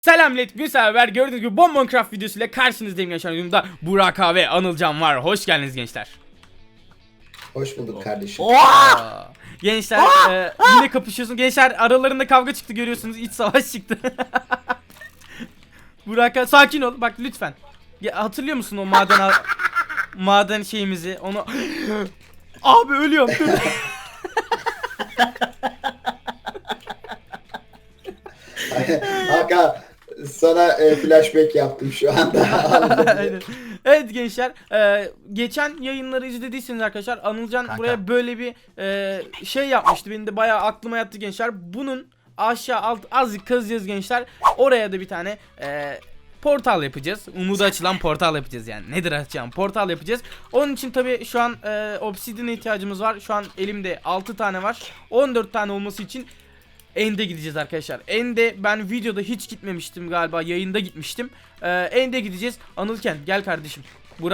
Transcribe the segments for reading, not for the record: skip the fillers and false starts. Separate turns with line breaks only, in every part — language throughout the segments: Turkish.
Selam millet, bir sefer gördüğünüz gibi Minecraft videosuyla karşınızdayım gençler. Yanımda Burak abi ve Anılcan var. Hoş geldiniz gençler.
Hoş bulduk kardeşim.
Gençler yine kapışıyorsun. Gençler aralarında kavga çıktı, görüyorsunuz. İç savaş çıktı. Burak abi sakin ol bak lütfen. Ya, hatırlıyor musun o maden şeyimizi? Onu abi ölüyorum. Dur.
Hakan sana flashback yaptım şu anda.
Aynen. Evet gençler, geçen yayınları izlediyseniz arkadaşlar Anılcan
Kanka.
buraya böyle bir şey yapmıştı. Benim de bayağı aklıma yattı gençler. Bunun aşağı alt azıcık kazacağız gençler. Oraya da bir tane portal yapacağız. Umuda açılan portal yapacağız yani. Nedir açacağım? Portal yapacağız. Onun için tabii şu an obsidian'e ihtiyacımız var. Şu an elimde 6 tane var. 14 tane olması için End'e gideceğiz arkadaşlar. End'e ben videoda hiç gitmemiştim galiba. Yayında gitmiştim. End'e gideceğiz. Anılken gel kardeşim.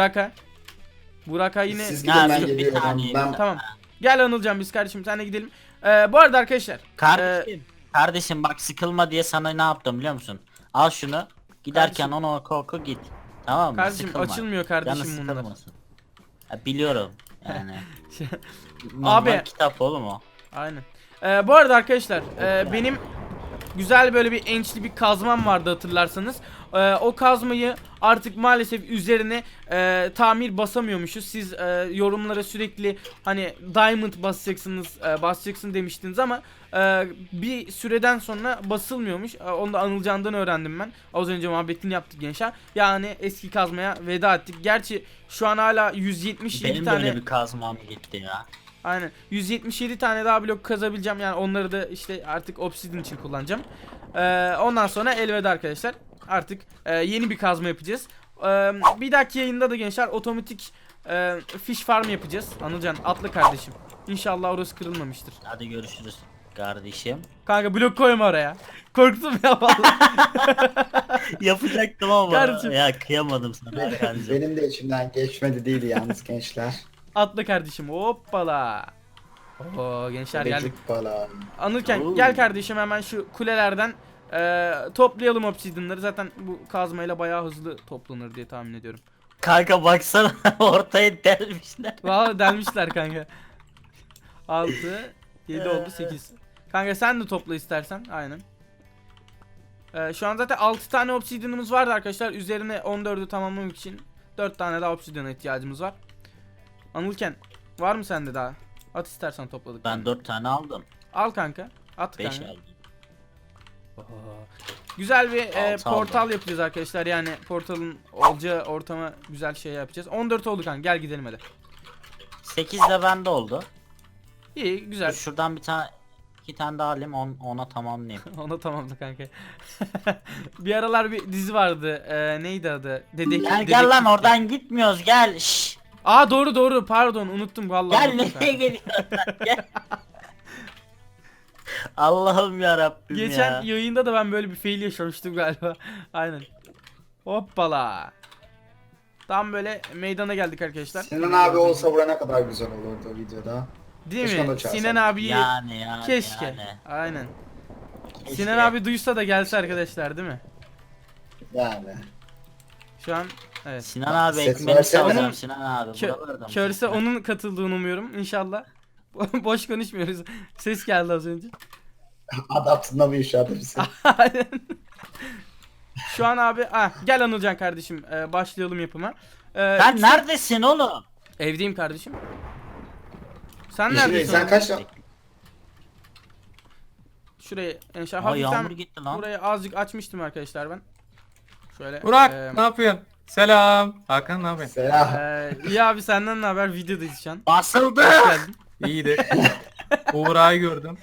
Burak'a yine.
Siz gidin ben
bir
geliyorum.
saniye.
Ben
Tamam. Gel Anılcan, biz kardeşim senle gidelim. Bu arada arkadaşlar.
Kardeşim bak, sıkılma diye sana ne yaptım biliyor musun? Al şunu. Giderken
Kardeşim.
onu oku git. Tamam mı?
Kardeşim
Sıkılma.
açılmıyor kardeşim
Canı
bunlar.
sıkılmasın. Ha, biliyorum yani.
Abi.
Normal kitap oğlum o.
Aynen. Bu arada arkadaşlar benim güzel böyle bir ençli bir kazmam vardı hatırlarsanız. O kazmayı artık maalesef üzerine tamir basamıyormuşuz. Siz yorumlara sürekli hani diamond basacaksın demiştiniz ama bir süreden sonra basılmıyormuş. Onu da Anılcan'dan öğrendim ben. Az önce muhabbetini yaptık gençler. Yani eski kazmaya veda ettik. Gerçi şu an hala 177
Benim de
tane.
öyle bir kazmam gitti ya.
Aynen. 177 tane daha blok kazabileceğim. Yani onları da işte artık obsidian için kullanacağım. Ondan sonra elveda arkadaşlar. Artık yeni bir kazma yapacağız. Bir dahaki yayında da gençler otomatik fish farm yapacağız. Anılcan atla kardeşim. İnşallah orası kırılmamıştır.
Hadi görüşürüz kardeşim.
Kanka blok koyma oraya. Korktum ya vallahi.
Yapacaktım ama
Kardeşim.
ya kıyamadım sana kardeşim.
benim de içimden geçmedi değil yalnız gençler.
Atla kardeşim. Hoppala. Oo gençler geldik.
Çocuk falan.
Anırken
Oo.
gel kardeşim hemen şu kulelerden toplayalım obsidianları. Zaten bu kazmayla bayağı hızlı toplanır diye tahmin ediyorum.
Kanka baksana ortaya delmişler.
Vallahi delmişler kanka. 6 7 oldu 8. Kanka sen de topla istersen. Aynen. Şu an zaten 6 tane obsidianımız vardı arkadaşlar. Üzerine 14'ü tamamlamak için 4 tane daha obsidiana ihtiyacımız var. Anılken var mı sende daha? At istersen topladık.
Ben 4 tane aldım.
Al kanka. At
5
kanka.
aldım.
Güzel bir
Altı
portal
aldım.
yapacağız arkadaşlar. Yani portalın olacağı ortama güzel şey yapacağız. 14 oldu kanka. Gel gidelim hadi.
8 de bende oldu.
İyi güzel.
Şuradan bir tane 2 tane daha alayım ona tamamlayayım.
Ona tamamla kanka. Bir aralar bir dizi vardı. Neydi adı?
Gel lan oradan gitmiyoruz gel. Şşş.
Aa doğru pardon unuttum vallahi.
Gel
unuttum
nereye
kanka.
geliyorsun gel. Allah'ım ya Rabbim
Geçen
ya.
yayında da ben böyle bir fail yaşamıştım galiba. Aynen. Hoppala. Tam böyle meydana geldik arkadaşlar.
Sinan abi olsa bura ne kadar güzel olurdu o videoda.
Değil
Keşke onu
mi?
da çağırsak.
Sinan abiyi
Yani
keşke.
yani.
Aynen.
Keşke.
Sinan abi duysa da gelse arkadaşlar değil mi?
Yani.
Şu an evet.
Sinan abi
Ses
ekmeğini
versene.
salacağım
Onun
Sinan abi. Buralarda mısın?
Körse onun katıldığını umuyorum inşallah. Boş konuşmuyoruz. Ses geldi az önce.
Adaptına bir işaret misin?
Aynen. Şu an abi gel Anılcan kardeşim, başlayalım yapıma.
Sen neredesin oğlum?
Evdeyim kardeşim. Sen
Şimdi
neredesin?
sen kaç
Şurayı enşa
Aa, yağmur
hafiften
gitti lan.
burayı azıcık açmıştım arkadaşlar ben. Şöyle.
Burak ne yapıyorsun? Selam. Hakan ne yapıyorsun?
Selam.
İyi abi, senden ne haber? Videodayız şu an.
Basıldı.
Hoş geldin.
İyidir. Buğra'yı gördüm.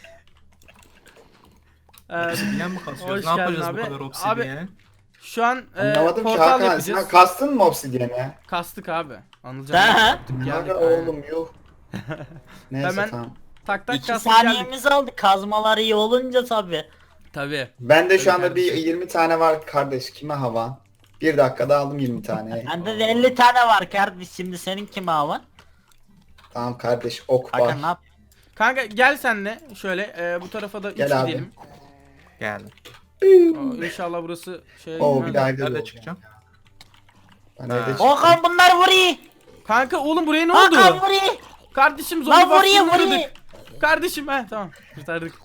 Ee,
Obsidiyen mi kasıyoruz?
Hoş
Ne
geldin
yapacağız
abi.
bu kadar obsidiyeni?
şu an
Anlamadım ki
portal
Hakan.
yapacağız.
Sen kastın mı obsidiyene?
Kastık abi. Anılcan.
Ha?
yaptık, geldik.
Hakan
Aynen.
oğlum yuh. Neyse
Hemen-
tamam.
Tak tak
2
kastık geldik.
saniyemiz aldı. Kazmalar iyi olunca tabi.
Tabii.
Bende şu anda bir
kardeşim.
20 tane var kardeş. Kime hava? Bir dakikada aldım 20 tane.
Bende de 50 tane var kardeş. Şimdi senin kim var?
Tamam kardeş ok var.
Hakan ne yap?
Kanka gel sen de şöyle bu tarafa da 3
Gel abi.
gidelim.
Geldim.
İnşallah burası şey
Oo
girmez.
bir daha evde
Nerede
olacağım.
çıkacağım?
Ben
Ha.
evde çıkacağım.
Hakan bunlar vuruyor.
Kanka oğlum buraya ne
Hakan
oldu?
vuruyor.
Kardeşim
Lan
zombi
vuruyor
baskını
vuruyor.
uğradık. Kardeşim tamam kurtardık.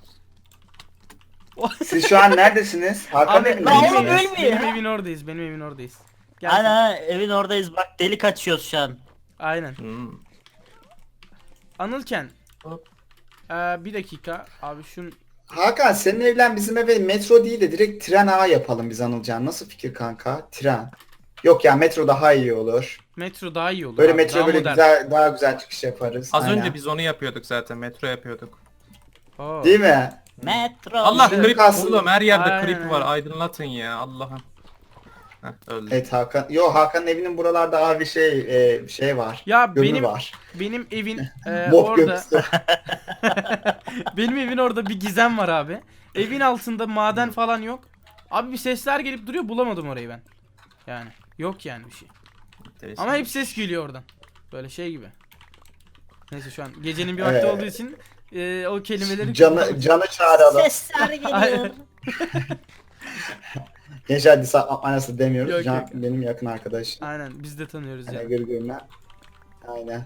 Siz şu an neredesiniz? Hakan
Abi
evinde
lan
benim,
oğlum
misiniz?
ölmüyor
benim
ya.
evin oradayız. Benim evin oradayız. Gel sen.
Ana evin oradayız bak delik açıyoruz şu an.
Aynen.
Hmm.
Anılken.
Hop.
Bir dakika. Abi şun
Hakan senin evlen bizim eve metro değil de direkt tren ağı yapalım biz Anılcan. Nasıl fikir kanka? Tren. Yok ya metro daha iyi olur.
metro daha iyi olur.
Böyle
abi,
metro
daha
böyle
modern.
güzel daha güzel çıkış yaparız.
Az
Aynen.
önce biz onu yapıyorduk zaten. Metro yapıyorduk.
Oo.
Değil mi?
Metro.
Allah
Bizim
creep
kalsın.
oğlum her yerde
Aynen,
creep var.
aynen.
Aydınlatın ya Allah'ım. Heh, öldü.
Evet Hakan. Yo Hakan'ın evinin buralarda abi şey var.
Ya
Gölü var.
benim evin
Mob
orada
gömüsü.
benim evin orada bir gizem var abi. Evin altında maden falan yok. Abi bir sesler gelip duruyor bulamadım orayı ben. Yani yok yani bir şey.
Enteresan.
Ama hep ses geliyor oradan. Böyle şey gibi. Neyse şu an gecenin bir vakti
Evet.
olduğu için o kelimeleri
Canı çağıralım.
Sesler geliyor.
Aynen.
Gençler disap manası demiyoruz.
Yok,
Can
yok.
benim yakın arkadaşım.
Aynen biz de tanıyoruz
Yani
yani.
gırgırına. Aynen.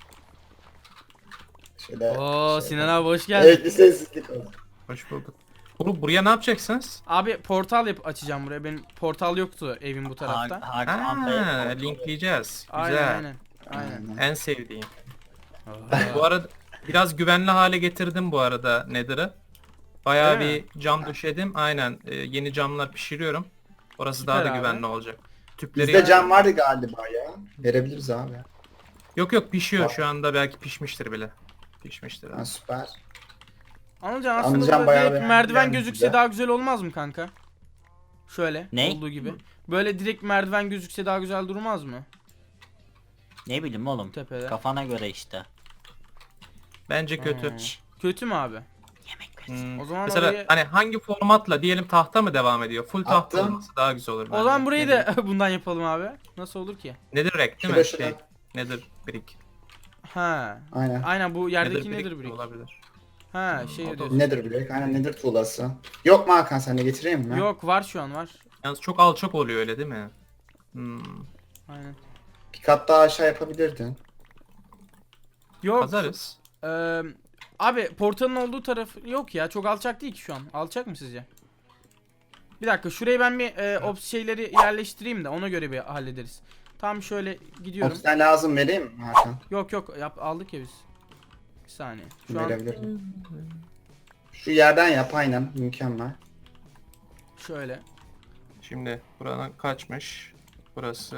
Şöyle.
Oo
şöyle.
Sinan abi hoş geldin.
Evet bir sessizlik oldu.
Hoş bulduk. Oğlum buraya ne yapacaksınız?
Abi portal açacağım buraya. Benim portal yoktu evin bu tarafta.
Hakan
Ha,
Bey.
linkleyeceğiz.
Aynen
Güzel.
aynen. Aynen.
En sevdiğim.
Oo.
Bu arada biraz güvenli hale getirdim bu arada Nether'ı. Bayağı
Öyle
bir cam döşedim. Aynen. Yeni camlar pişiriyorum. Orası daha da
Süper abi.
güvenli olacak. Tüpleri
Bizde cam vardı galiba ya. Verebiliriz abi.
Yok pişiyor
Var.
şu anda belki pişmiştir bile. Pişmiştir.
Ha, süper.
Anılcan aslında
Anılcan
burada
bayağı
direkt
beğendi
merdiven
yani
gözükse
bize.
daha güzel olmaz mı kanka? Şöyle
Ne?
olduğu gibi. Böyle direkt merdiven gözükse daha güzel durmaz mı?
Ne bileyim oğlum.
Tepede.
Kafana göre işte.
Bence kötü.
Hmm. Kötü mü abi?
Yemek
Hmm.
O zaman
Mesela
orayı-
hani hangi formatla diyelim tahta mı devam ediyor? Full tahta
Attım.
olması daha güzel olur.
O
bence.
zaman burayı
Nedir?
da bundan yapalım abi. Nasıl olur ki?
Nedir rek değil
Şurada
mi?
şurada.
Şey, nedir brick?
Ha.
Aynen.
Aynen bu yerdeki
Nether
nedir brick?
olabilir.
Ha
o
şey
da
diyorsun.
Nedir bilek? Aynen nedir tuğlası? Yok mu Hakan sen de getireyim mi?
Yok var şu an var.
Yalnız çok alçak oluyor öyle değil mi? Hmm.
Aynen.
Bir kat daha aşağı yapabilirdin.
Yok.
Kazarız.
Abi portalın olduğu taraf yok ya çok alçak değil ki şu an. Alçak mı sizce? Bir dakika şuraya ben bir şeyleri yerleştireyim de ona göre bir hallederiz. Tam şöyle gidiyorum.
Obsidian lazım vereyim mi Hakan?
Yok aldık ya biz. Bir saniye. Şu an
Verebilirim. Şu yerden yap aynen mükemmel.
şöyle.
Şimdi buradan kaçmış. Burası...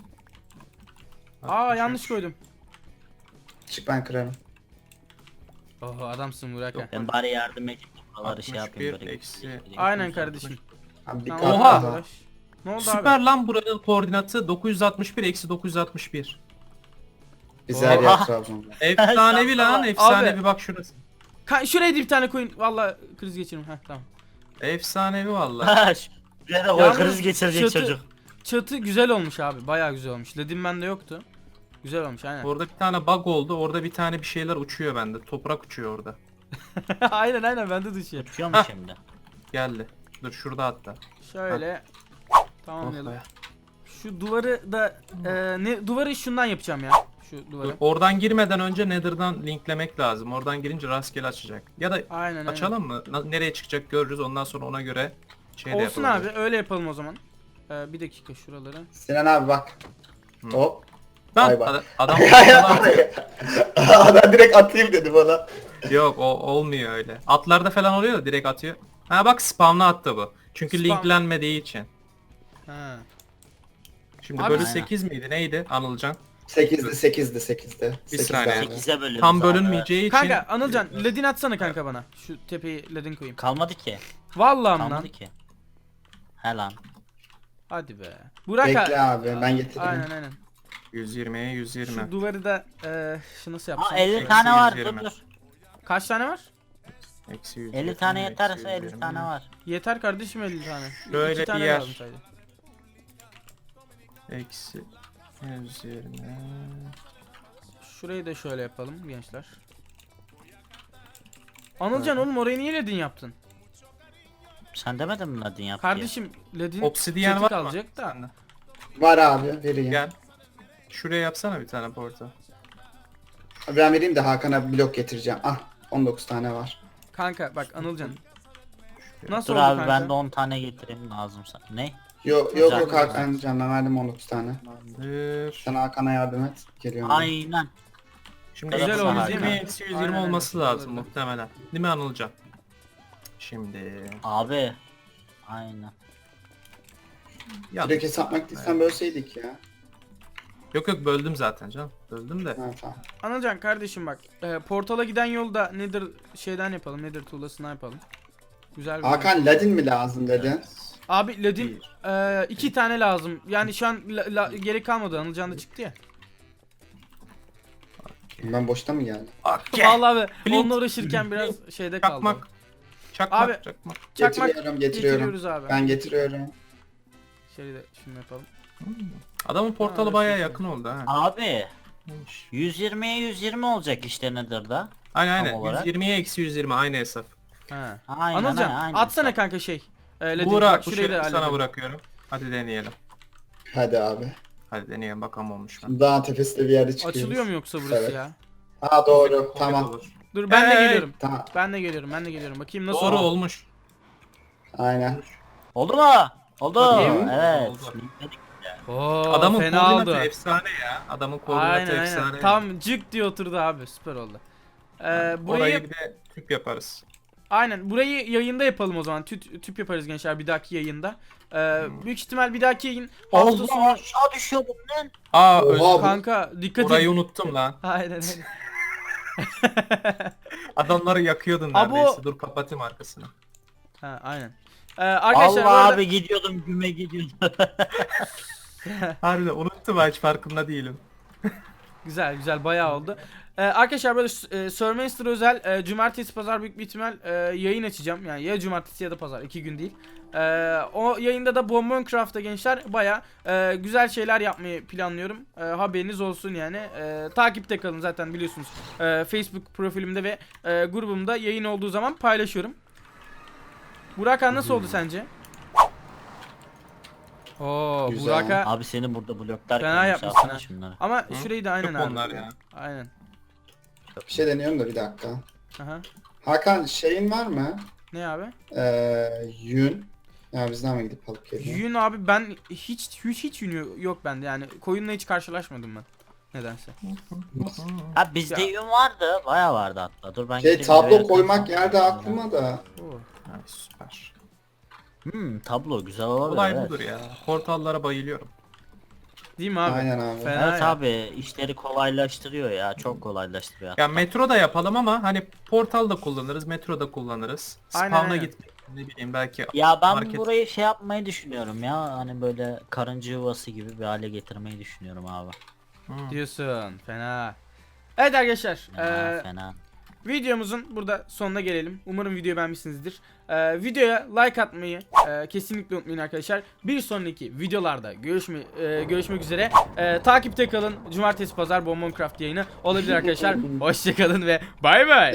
Aa
63.
yanlış koydum.
Çık ben kırarım.
Oho adamsın Burak ha.
Ben bari yardım edeyim. Buraları şey
61
yapayım böyle.
eksi-
Aynen kardeşim.
Abi bir
Tamam,
kat
Oha!
daha.
Ne oldu
Süper
abi?
lan buranın koordinatı 961 eksi 961.
Biz her
Oha!
yer Trabzon'da.
Efsanevi lan efsanevi bak şurası.
Şuraya da bir tane koyun. Valla kriz geçiririm. Heh tamam.
Efsanevi valla.
Ha, şuraya da koy
Yalnız
kriz geçirecek
çatı-
çocuk.
Çatı güzel olmuş abi. Bayağı güzel olmuş. Ledim bende yoktu. Güzel olmuş aynen.
Orada bir tane bug oldu. Orada bir tane bir şeyler uçuyor bende. Toprak uçuyor orada.
aynen bende düşüyor.
Uçuyor mu
Hah.
şimdi?
Geldi. Dur şurada hatta.
Şöyle
Oh
tamamlayalım.
be.
Şu duvarı da duvarı şundan yapacağım ya. Şu
Dur,
duvarı.
oradan girmeden önce Nether'dan linklemek lazım. Oradan girince rastgele açacak. Ya da
Aynen.
açalım mı? Nereye çıkacak görürüz. Ondan sonra ona göre şey de
Olsun
yapabiliriz.
abi öyle yapalım o zaman. Bir dakika şuraları.
Sinan abi bak. Hop.
Lan
Bay bay.
adam
Adam direkt atayım dedi bana.
yok o olmuyor öyle. Atlarda falan oluyor da direkt atıyor. Ha bak spamla attı bu. Çünkü
Spam.
linklenmediği için.
Ha.
Şimdi
Abi-
bölü 8 miydi? Neydi Anılcan?
8'di.
Bir saniye.
8'e bölüyoruz
Tam
abi.
bölünmeyeceği için.
Kanka Anılcan ledin atsana kanka bana. Şu tepeyi ledin koyayım.
Kalmadı ki.
Vallahi lan.
Kalmadı ki. He lan.
Hadi be. Burak
Bekle abi ben getireyim.
Aynen.
120'ye 120.
Şu duvarı da şu nasıl
Aa
yapsam?
50
Eksi
tane var
120.
dur.
Kaç tane var?
Eksi 120,
50 tane
eksi
yeterse 50
120.
tane var.
Yeter kardeşim 50 tane.
Şöyle
2
bir
tane
yer.
lazım sadece.
Eksi 120.
Şurayı da şöyle yapalım gençler. Anılcan oğlum orayı niye ledin yaptın?
Sen demedin mi Ladin yap diye?
Kardeşim Ladin
Obsidiyen
seti
var
kalacak
mı?
da.
Sende.
Var abi vereyim.
Gel. Şuraya yapsana bir tane portal.
Ben vereyim de Hakan'a blok getireceğim. Ah 19 tane var.
Kanka bak Anılcan. Nasıl
Dur
oldu
abi
kanka?
ben de 10 tane getireyim lazım sana. Ne?
Yok
Güzel,
yok
güzel.
Hakan can ben verdim 19 tane.
Tamamdır.
Sen Hakan'a yardım et. Geliyorum. ben.
Aynen.
Şimdi
Güzel
eksi
oldu, değil
120,
mi?
eksi 120
Aynen,
olması
aynen.
lazım muhtemelen. Değil mi Anılcan? Şimdi...
Abi. Aynen.
Ya,
Direkt hesapmak değilsen bölseydik ya.
yok yok böldüm zaten canım. Böldüm de.
Ha, tamam.
Anılcan kardeşim bak. Portala giden yolda nedir şeyden yapalım. Nedir tuğlasından yapalım. Güzel bir
Hakan Ladin mi lazım dedin?
Abi Ladin 2 tane lazım. Yani şu an gerek kalmadı. Anılcan da çıktı ya.
Ben boşta mı geldim?
Okay.
Vallahi abi
Flint.
onunla uğraşırken biraz şeyde kaldı.
Çakmak. Çakmak.
Abi,
Çakmak.
Çakmak
Getiriyorum.
getiriyoruz abi.
Ben getiriyorum.
Şöyle de şunu yapalım.
Adamın portalı
Ha,
bayağı
çok
yakın oldu ha.
Abi.
Neymiş?
120'ye 120 olacak işte nedir da?
Aynen aynen.
Tam olarak.
120'ye eksi 120 aynı hesap.
Ha.
Aynen
Anılcan
aynen.
atsana kanka şey. Ladin,
Buğra
bak
bu
şurayı da
şerefi sana
halledelim.
bırakıyorum. Hadi deneyelim.
Hadi abi.
Hadi deneyelim bakalım olmuş mu?
Dağın tepesinde bir yerde çıkıyoruz.
Açılıyor mu yoksa burası
Evet.
ya?
Ha doğru.
Kuvvet
Tamam.
olur.
Dur ben de
Hey!
geliyorum.
Tamam.
Ben de geliyorum. Bakayım nasıl
Doğru
oldu?
olmuş.
Aynen.
Oldu mu? Oldu.
Bakayım.
Evet.
Oldu.
Linkledik.
Oo,
Adamın
fena
koordinatı
oldu.
efsane ya. Adamın koordinatı
Aynen
efsane.
aynen. Tam cık diye oturdu abi. Süper oldu.
Orayı
Burayı
bir de tüp yaparız.
aynen burayı yayında yapalım o zaman. Tüp yaparız gençler bir dahaki yayında. Büyük ihtimal bir dahaki yayın hafta
Allah
sonu
aşağı düşüyordum lan.
Aa
Oha,
özür
bu-
kanka dikkat et.
Orayı unuttum lan.
Aynen.
Adamları yakıyordun
Abo.
neredeyse. Dur kapatayım arkasını.
Ha aynen. Arkadaşlar bu
Allah
arada-
abi gidiyordum güme gidiyordum.
Harbiden unuttum ha, hiç farkında değilim.
Güzel bayağı oldu. Arkadaşlar böyle Surmaster özel cumartesi pazar büyük bir ihtimal yayın açacağım. Yani ya cumartesi ya da pazar 2 gün değil. O yayında da Bombocraft'ta gençler bayağı güzel şeyler yapmayı planlıyorum. Haberiniz olsun yani. Takipte kalın zaten biliyorsunuz. Facebook profilimde ve grubumda yayın olduğu zaman paylaşıyorum. Burak nasıl oldu sence? Oo
Güzel.
Burak'a
Abi senin burada bloklar
Fena
koymuş,
yapmışsın
alsana
ha.
şunları.
ama şurayı da aynen
Çok
abi.
onlar ya.
Aynen.
Bir şey deniyorum da bir dakika.
Aha.
Hakan şeyin var mı?
Ne abi?
Yün. Ya bizden mi gidip alıp geliyor?
Yün abi ben hiç yün yok bende yani koyunla hiç karşılaşmadım ben nedense.
Ha bizde
Ya.
yün vardı. Baya vardı hatta. Dur ben
Şey
gideyim
tablo
buraya
koymak
yazayım.
yerde aklıma da.
Oo.
Ha, süper.
Tablo güzel olabilir.
Olay
evet.
budur ya. Portallara bayılıyorum.
Değil mi abi?
Aynen abi.
Fena
Evet
ya.
abi işleri kolaylaştırıyor ya. Çok kolaylaştırıyor.
Ya metro da yapalım ama hani portal da kullanırız, metro da kullanırız.
Aynen,
Spawn'a
aynen.
gitmek ne bileyim belki
Ya ben
market.
burayı şey yapmayı düşünüyorum ya. Hani böyle karınca yuvası gibi bir hale getirmeyi düşünüyorum abi.
Diyorsun fena. Evet arkadaşlar
Fena fena.
videomuzun burada sonuna gelelim. Umarım videoyu beğenmişsinizdir. Videoya like atmayı kesinlikle unutmayın arkadaşlar. Bir sonraki videolarda görüşmek üzere. Takipte kalın. Cumartesi pazar Bombocraft yayını olabilir arkadaşlar. Hoşçakalın ve bay bay.